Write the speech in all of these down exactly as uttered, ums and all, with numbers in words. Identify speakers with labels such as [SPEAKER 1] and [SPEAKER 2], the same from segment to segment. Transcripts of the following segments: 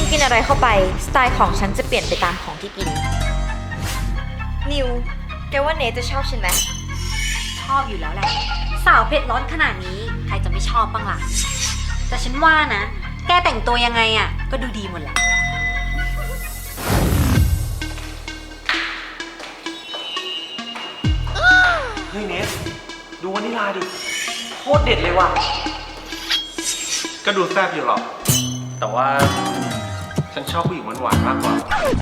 [SPEAKER 1] กินอะไรเข้าไปสไตล์ของฉันจะเปลี่ยนไปตามของที่กินนิวแกว่าเนทจะชอบฉันไหม
[SPEAKER 2] ชอบอยู่แล้วแหละสาวเผ็ดร้อนขนาดนี้ใครจะไม่ชอบบ้างล่ะแต่ฉันว่านะแกแต่งตัวยังไงอ่ะก็ดูดีหมดแหละ
[SPEAKER 3] เฮ้ยเนสดูวานิลาดิโคตรเด็ดเลยว่ะก็ดูแซ่บอยู่หรอกแต่ว่าฉันชอบผู้หญิงหวานๆมากกว่า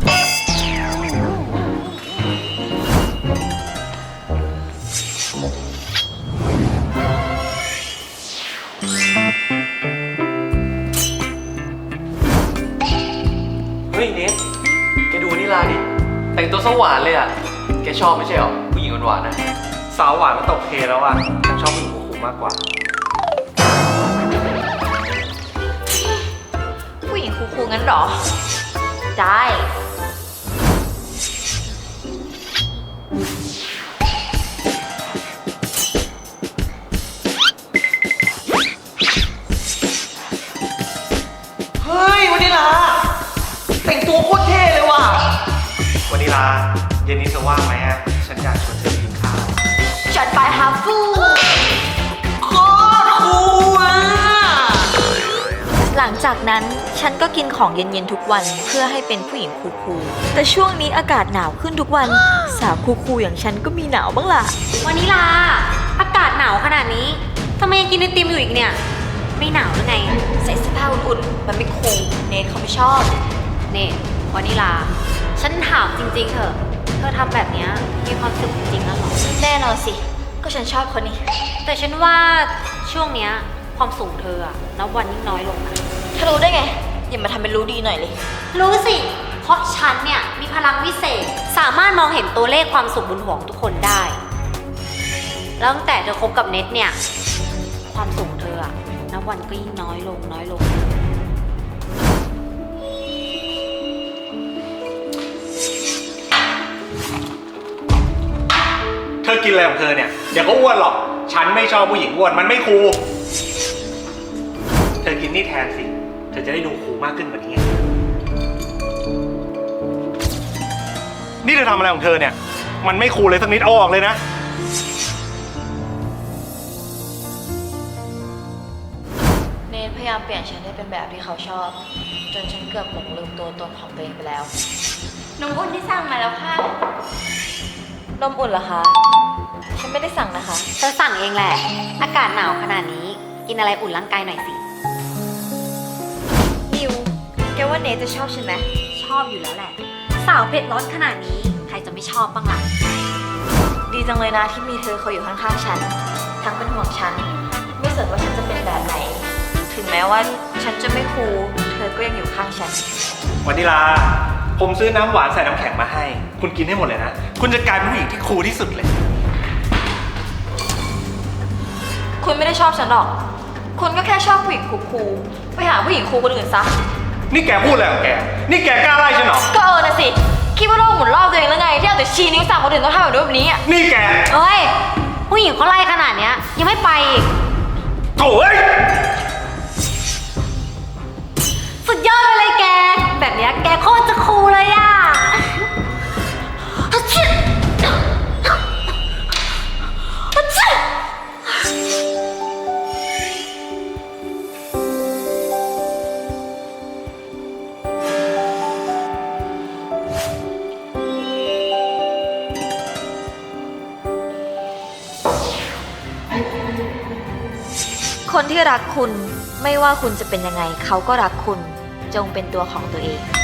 [SPEAKER 3] เฮ้ยเนสแกดูวานิลาดิแต่งตัวสหวานเลยอ่ะแกชอบไม่ใช่หรอผู้หญิงหวานๆนะสาวหวานมันตกเทแล้วอ่ะฉันชอบผู้หญิงคูลๆมากกว่า
[SPEAKER 1] ผู้หญิงคูลๆงั้นหรอได้
[SPEAKER 3] เฮ้ยวานิลาแต่งตัวโคตรเท่เลยว่ะวานิลาเย็นนี้จะว่างไหมอ่ะฉันอยากชวนเธอไปกินข้าว
[SPEAKER 1] จัดไปฮาฟู
[SPEAKER 3] โคตรคูลอ่ะ
[SPEAKER 1] หลังจากนั้นฉันก็กินของเย็นๆทุกวันเพื่อให้เป็นผู้หญิงคูลๆแต่ช่วงนี้อากาศหนาวขึ้นทุกวันสาวคูลๆอย่างฉันก็มีหนาวบ้างล่ะ
[SPEAKER 2] วานิลาอากาศหนาวขนาดนี้ทำไมยังกินไอติมอยู่อีกเนี่ยไม่หนาวหรือไง
[SPEAKER 1] ใส่เสื้อผ้าอุ่นๆมันไม่คูลเนทเขาไม่ชอบ
[SPEAKER 2] เนทวานิลาฉันถามจริงๆเถอะเธอทำแบบนี้มีความสุขจริงๆนะหรอ
[SPEAKER 1] แน่นอนสิก็ฉันชอบคนนี้
[SPEAKER 2] แต่ฉันว่าช่วงเนี้ยความสูงเธออะนับวันยิ่งน้อยลงนะ
[SPEAKER 1] เธอรู้ได้ไงอย่ามาทำเป็นรู้ดีหน่อยเลย
[SPEAKER 2] รู้สิเพราะฉันเนี่ยมีพลังวิเศษสามารถมองเห็นตัวเลขความสุขบนหัวของทุกคนได้แล้วตั้งแต่เธอคบกับเน็ตเนี่ยความสูงเธออะนับวันก็ยิ่งน้อยลงน้อยลง
[SPEAKER 3] เธอกินอะไรของเธอเนี่ยเดี๋ยวก็อ้วนหรอกฉันไม่ชอบผู้หญิงอ้วนมันไม่คูลเธอกินนี่แทนสิเธอจะได้ดูคูลมากขึ้นกว่านี้ไงนี่เธอทำอะไรของเธอเนี่ยมันไม่คูลเลยสักนิดเอาออกเลยนะ
[SPEAKER 1] เนทพยายามเปลี่ยนฉันให้เป็นแบบที่เขาชอบจนฉันเกือบหลงลืมตัวตนของตัวเองไปแล้วนมอุ่นที่สั่งมาแล้วค่ะนมอุ่นเหรอคะฉันไม่ได้สั่งนะคะ
[SPEAKER 2] เธอสั่งเองแหละอากาศหนาวขนาดนี้กินอะไรอุ่นร่างกายหน่อยสิ
[SPEAKER 1] นิวแกว่าเนทจะชอบฉันไหม
[SPEAKER 2] ชอบอยู่แล้วแหละสาวเผ็ดร้อนขนาดนี้ใครจะไม่ชอบบ้างล่ะ
[SPEAKER 1] ดีจังเลยนะที่มีเธอคอยอยู่ข้างๆฉันทั้งเป็นห่วงฉันไม่สนว่าฉันจะเป็นแบบไหนถึงแม้ว่าฉันจะไม่คูลเธอก็ยังอยู่ข้างฉัน
[SPEAKER 3] วานิลาผมซื้อน้ำหวานใส่น้ำแข็งมาให้คุณกินให้หมดเลยนะคุณจะกลายเป็นผู้หญิงที่คูลที่สุดเลย
[SPEAKER 1] คุณไม่ได้ชอบฉันหรอกคุณก็แค่ชอบผู้หญิงคูลๆไปหาผู้หญิงคูลคนอื่นซะ
[SPEAKER 3] นี่แกพูดอะไรของแกนี่แกกล้าไล่ฉันหรอ
[SPEAKER 1] ก็เออนะสิคิดว่าโลกหมุนรอบตัวเองแล้วไงที่เอาแต่ชี้นิ้วสั่งคนอื่นต้องทำแบบนี้อ่ะ
[SPEAKER 3] นี่แก
[SPEAKER 2] เอ้ยผู้หญิงเขาไล่ขนาดเนี้ยยังไม่ไปอีก
[SPEAKER 3] โถ่เอ้ย
[SPEAKER 2] สุดยอดไปเลยแกแบบเนี้ยแกโคตรจะคูลเลยอ่ะ
[SPEAKER 1] คนที่รักคุณไม่ว่าคุณจะเป็นยังไงเขาก็รักคุณจงเป็นตัวของตัวเอง